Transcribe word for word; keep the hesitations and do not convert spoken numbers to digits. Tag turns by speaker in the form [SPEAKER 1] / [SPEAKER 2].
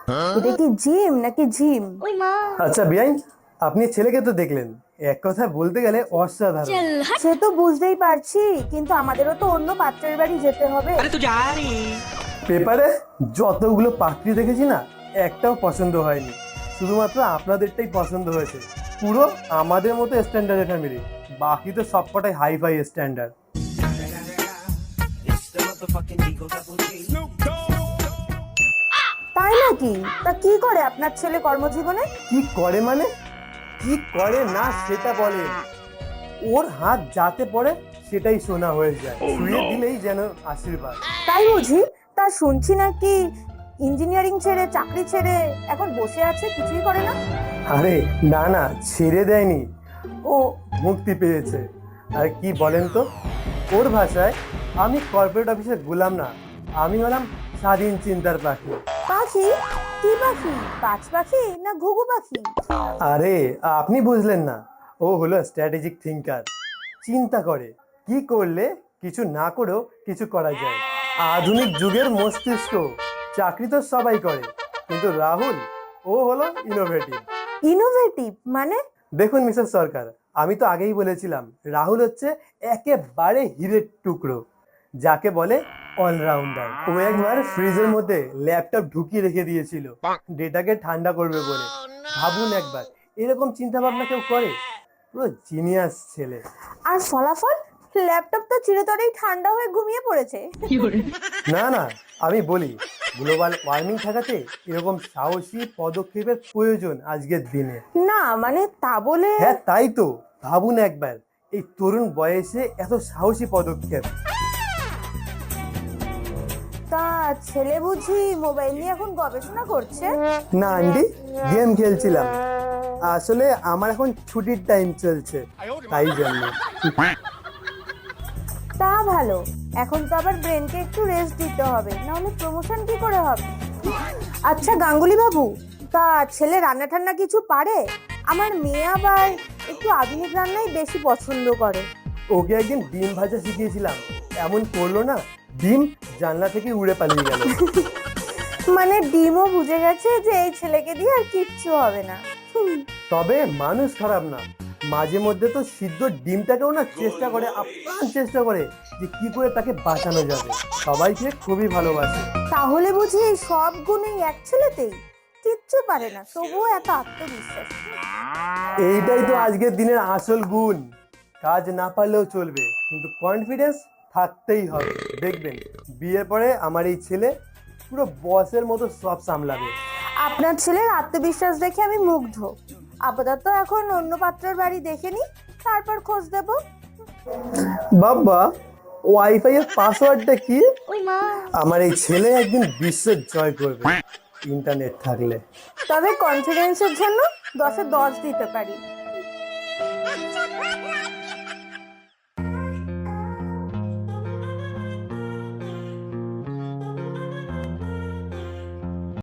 [SPEAKER 1] এটা কি জিম নাকি জিম?
[SPEAKER 2] আচ্ছা বিয়াই, আপনি ছেলেকে তো দেখলেন, এক কথা বলতে গেলে অসাধারণ।
[SPEAKER 1] সে তো বুঝতেই পারছি, কিন্তু আমাদেরও তো অন্য পাত্রের বাড়ি যেতে হবে।
[SPEAKER 2] পেপারে যতগুলো পাত্রী দেখেছি না, একটাও পছন্দ হয়নি, শুধুমাত্র আপনাদেরটাই পছন্দ হয়েছে। পুরো আমাদের মতো স্ট্যান্ডার্ড ফ্যামিলি, বাকি তো সবকটাই হাই ফাই স্ট্যান্ডার্ড।
[SPEAKER 1] তাই নাকি? তা কি করে আপনার ছেলে কর্মজীবনে?
[SPEAKER 2] কি করে মানে? কি করে না সেটা বলে। ওর হাত যাতে পড়ে সেটাই সোনা হয়ে যায়, ছুঁয়ে দিলেই যেন আশীর্বাদ।
[SPEAKER 1] তাই বুঝি? তা শুনছি নাকি ইঞ্জিনিয়ারিং ছেড়ে, চাকরি ছেড়ে এখন বসে আছে, কিছুই করে না।
[SPEAKER 2] আরে না না, ছেড়ে দেয়নি, ও মুক্তি পেয়েছে। আর কি বলেন তো, ওর ভাষায় আমি কর্পোরেট অফিসে গোলাম না, আমি হলাম স্বাধীন চিন্তার পাখি।
[SPEAKER 1] পাখি? কি পাখি? পাঁচ পাখি না ঘুঘু পাখি?
[SPEAKER 2] আরে আপনি বুঝলেন না, ও হলো স্ট্র্যাটেজিক থিঙ্কার। চিন্তা করে কি করলে কিছু না করেও কিছু করা যায়। আধুনিক যুগের মস্তিষ্ক। চাকরি তো সবাই করে, কিন্তু রাহুল ও হলো ইনোভেটিভ।
[SPEAKER 1] ইনোভেটিভ মানে?
[SPEAKER 2] দেখুন মিসেস সরকার, আমি তো আগেই বলেছিলাম রাহুল হচ্ছে একেবারে হিরের টুকরো, যাকে বলে অলরাউন্ডার। ও একবার ফ্রিজের মধ্যে ল্যাপটপ ঢুকিয়ে রেখে দিয়েছিল ডেটাকে ঠান্ডা করবে বলে। ভাবুন একবার, এরকম চিন্তা ভাবনা কেউ করে? পুরো জিনিয়াস ছেলে।
[SPEAKER 1] আর ফলাফল? ল্যাপটপ তো চিরতরেই ঠান্ডা হয়ে ঘুমিয়ে পড়েছে।
[SPEAKER 2] না না, আমি বলি গ্লোবাল ওয়ার্মিং ঠেকাতে এরকম সাহসী পদক্ষেপের প্রয়োজন আজকের দিনে।
[SPEAKER 1] না মানে তা বলে।
[SPEAKER 2] হ্যাঁ তাই তো, ভাবুন একবার, এই তরুণ বয়সে এত সাহসী পদক্ষেপ।
[SPEAKER 1] তা ছেলে বুঝি মোবাইল নিয়ে এখন গবেষণা করছে?
[SPEAKER 2] না আন্টি, গেম খেলছিলাম, আসলে আমার এখন ছুটির টাইম চলছে, তাই জন্য।
[SPEAKER 1] তা ভালো, এখন তো আবার ব্রেনকে একটু রেস্ট দিতে হবে, নাহলে প্রমোশন কি করে হবে। আচ্ছা গাঙ্গুলি বাবু, তা ছেলে রান্না টান্না কিছু পারে? আমার মেয়ে আবার একটু আধুনিক রান্নাই বেশি পছন্দ করে।
[SPEAKER 2] ওকে একদিন ডিম ভাজা শিখিয়েছিলাম, এমন করলো না, ডিম জানলা থেকে উড়ে পালিয়ে গেল।
[SPEAKER 1] মানে ডিমও বুঝে গেছে যে এই ছেলেকে দিয়ে আর কিচ্ছু হবে না। হুম।
[SPEAKER 2] তবে মানুষ খারাপ না, মাঝে মধ্যে তো সিদ্ধ ডিমটাকেও না চেষ্টা করে, আপ্রাণ চেষ্টা করে যে কি করে তাকে বাঁচানো যাবে। সবাইকে খুবই ভালোবাসে।
[SPEAKER 1] তাহলে বুঝি এই সব গুণ এই এক ছেলেতেই? কিচ্ছু পারে না, তবুও এত আত্মবিশ্বাস।
[SPEAKER 2] এইটাই তো আজকের দিনের আসল গুণ। কাজ না পারলেও চলবে, কিন্তু কনফিডেন্স থাকতেই হবে। দেখবেন বিয়ের পরে আমার এই ছেলে পুরো বসের মতো সব সামলাবে।
[SPEAKER 1] আপনার ছেলের আত্মবিশ্বাস দেখে আমি মুগ্ধ। আপাতত এখন অন্য পাত্রের বাড়ি দেখে নি, তারপর খোঁজ দেব।
[SPEAKER 2] বাবা, ওয়াইফাই এর পাসওয়ার্ডটা কি? আমার এই ছেলে একদিন বিশ্ব জয় করবে ইন্টারনেট থাকলে।
[SPEAKER 1] তবে কনফিডেন্সের জন্য দশে দশ দিতে পারি।